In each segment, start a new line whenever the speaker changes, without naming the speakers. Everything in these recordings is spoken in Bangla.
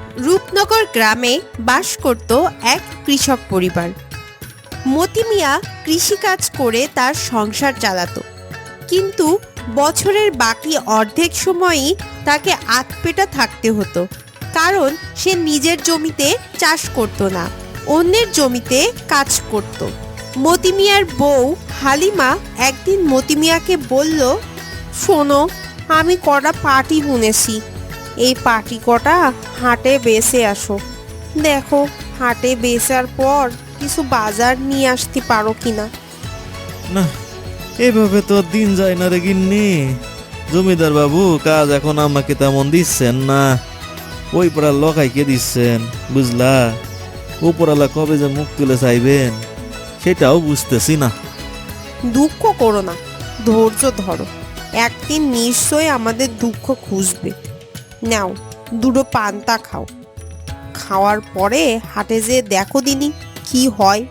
রূপনগর গ্রামে বাস করত এক কৃষক পরিবার। মতি মিয়া কৃষিকাজ করে তার সংসার চালাতো, কিন্তু বছরের বাকি অর্ধেক সময়ই তাকে আধপেটা থাকতে হতো, কারণ সে নিজের জমিতে চাষ করত না, অন্যের জমিতে কাজ করত। মতি মিয়ার বউ হালিমা একদিন মতি মিয়াকে বলল, শোনো, আমি কটা পাটি বুনেছি, এই পাটি কটা হাটে বেচে আসো। দেখো হাটে বেচার পর কিছু বাজার নিয়ে আসতে পারো কিনা।
না, এভাবে তো দিন যায় না রে গিন্নি। জমিদার বাবু কাজ এখন আমাকে তেমন দিচ্ছেন না, ওই পাড়ার লকাইকে দিচ্ছেন, বুঝলা। উপরালা কবে যে মুখ তুলে চাইবেন সেটাও বুঝতেছি না।
দুঃখ করো না, ধৈর্য ধরো, একদিন নিশ্চয়ই আমাদের দুঃখ খুঁজবে। নাও দুটো পান্তা খাও, খাওয়ার পরে হাটে যে দেখো দিনি কি হয়।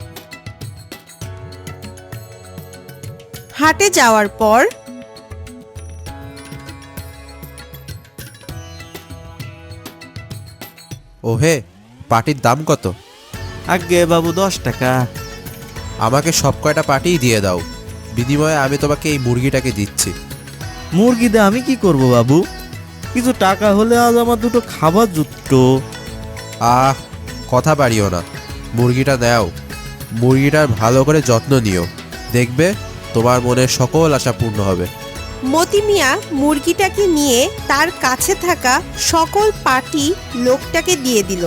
হাটে যাওয়ার পর
ওহে, পাটির দাম কত?
আগে বাবু 10 টাকা।
আমাকে সব কয়টা পাটিই দিয়ে দাও, বিনিময়ে আমি তোমাকে এই মুরগিটাকে দিচ্ছি।
মুরগি দিয়ে আমি কি করব বাবু? কিছু টাকা হলে আজ আমার দুটো খাবার জুটতো।
আহ, কথা বাড়িও না, মুরগিটা দাও। মুরগিটার ভালো করে যত্ন নিও, দেখবে তোমার মনের সকল আশা পূর্ণ হবে।
মতি মিয়া মুরগিটাকে নিয়ে তার কাছে থাকা সকল পাটি লোকটাকে দিয়ে দিল।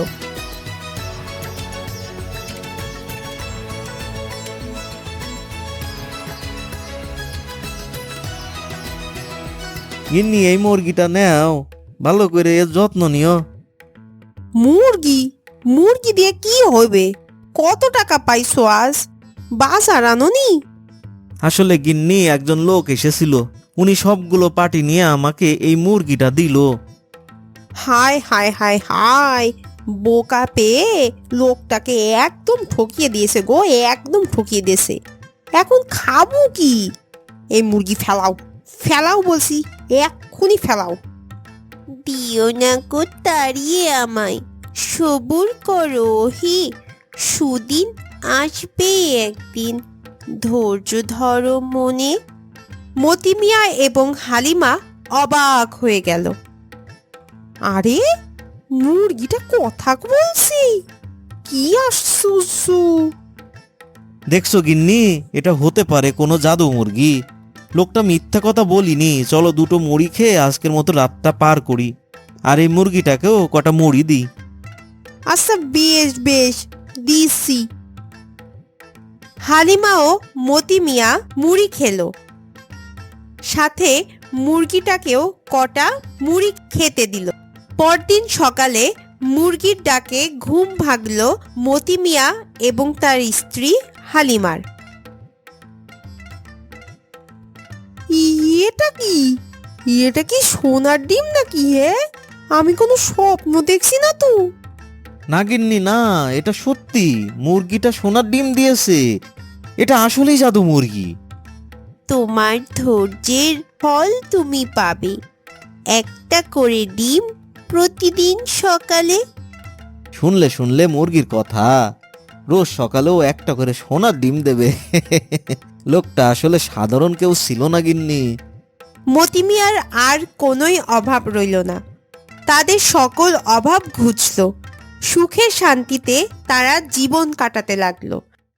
গিন্নি, এই মুরগিটা নাও, ভালো করে এর যত্ন নিও।
মুরগি মুরগি দিয়ে কি হবে? কত টাকা পাইছো আজ? বাজার আনোনি?
আসলে গিন্নি, একজন লোক এসেছিল, উনি সবগুলো পাটি নিয়ে আমাকে এই মুরগিটা দিল।
হায় হায় হায় হায়, বোকা পেয়ে লোকটাকে একদম ঠকিয়ে দিয়েছে গো, একদম ঠকিয়ে দিয়েছে। এখন খাবো কি? এই মুরগি ফেলাও, ফেলাও বলছি, এক্ষুনি ফেলাও। দিও না গো তাড়িয়ে আমায়, সবুর করো হি, সুদিন আসবে একদিন, ধৈর্য ধরো মনে। মতি মিয়া এবং হালিমা অবাক হয়ে গেল। আরে, মুরগিটা কথা বলছি, কি আশ্চর্য!
দেখছো গিন্নি, এটা হতে পারে কোনো জাদু মুরগি। লোকটা মিথ্যা কথা বলিনি। চলো দুটো মুড়ি খেয়ে আজকের মতো রাতটা পার করি, আর এই মুরগিটাকেও কটা মুড়ি দিই।
আচ্ছা বেশ বেশ, দিছি। হালিমা ও মতি মিয়া মুড়ি খেলো, সাথে মুরগিটাকেও কটা মুড়ি খেতে দিল। পরদিন সকালে মুরগির ডাকে ঘুম ভাগল মতি মিয়া এবং তার স্ত্রী হালিমার। এটা কি? এটা কি সোনার ডিম নাকি? হে, আমি কোনো স্বপ্ন দেখছি না তো?
না গিন্নি না, এটা সত্যি, মুরগিটা সোনার ডিম দিয়েছে। এটা আসলেই জাদু মুরগি।
তোমার ধৈর্যের ফল তুমি পাবে, একটা করে ডিম প্রতিদিন সকালে।
শুনলে শুনলে মুরগির কথা, রোজ সকালেও একটা করে সোনার ডিম দেবে। লোকটা আসলে সাধারণ কেউ ছিল না গিন্নি।
মতি মিয়ার আর কোনোই অভাব রইল না, তাদের সকল অভাব ঘুচল, সুখে শান্তিতে তারা জীবন কাটাতে লাগলো।